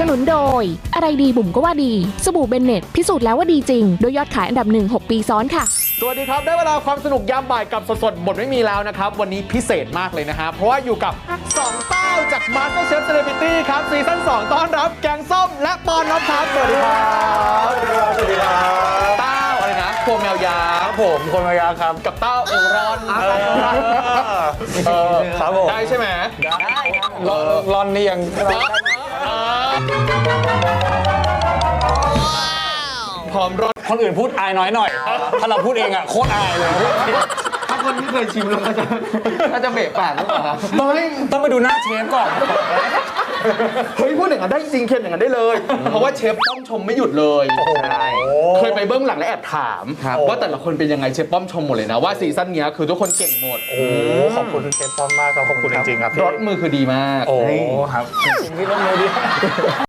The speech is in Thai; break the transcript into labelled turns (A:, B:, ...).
A: นุนโดยอะไรดีบุ๋มก็ว่าดีสบู่เบนเน็ตพิสูจน์แล้วว่าดีจริงโดยยอดขายอันดับ1 6 ปีซ้อนค่ะ
B: สวัสดีครับได้เวลาความสนุกยามบ่ายกับสดๆบทไม่มีแล้วนะครับวันนี้พิเศษมากเลยนะฮะเพราะว่าอยู่กับ2เต้าจาก MasterChef Celebrity ครับซีซั่น2ต้อนรับแกงส้มและปอนรับครับสวัสดีครับสวัสดีครับเต้าอะไรนะพวงแมวยาครับผมพวงแมวยาครับกับเต้าเอลรอนครับผมได้ใช่ไหมได้ครับรอนนี่ยังพร้อมรถ
C: คนอื่นพูดอายน้อยหน่อย ถ้าเราพูดเองอ่ะโคตรอายเลย
B: ถ้าคนที่เคยชิมแล้วก็จะเบะปากหรือเปล่า
C: ต้องไปดูหน้าเชฟก่อน
B: เฮ้ยพูดอย่างนั้นได้จริงเค็มอย่างนั้นได้เลยเพราะว่าเชฟป้อมชมไม่หยุดเลยใช่เคยไปเบื้องหลังและแอบถามว่าแต่ละคนเป็นยังไงเชฟป้อมชมหมดเลยนะว่าซีซั่นนี้คือทุกคนเก่งหมด
C: โอ้ขอบคุณเชฟป้อมมากครับขอบคุณจริงๆครับ
B: รสมือคือดีมาก
C: โอ้ครับจริงที่รสมือดี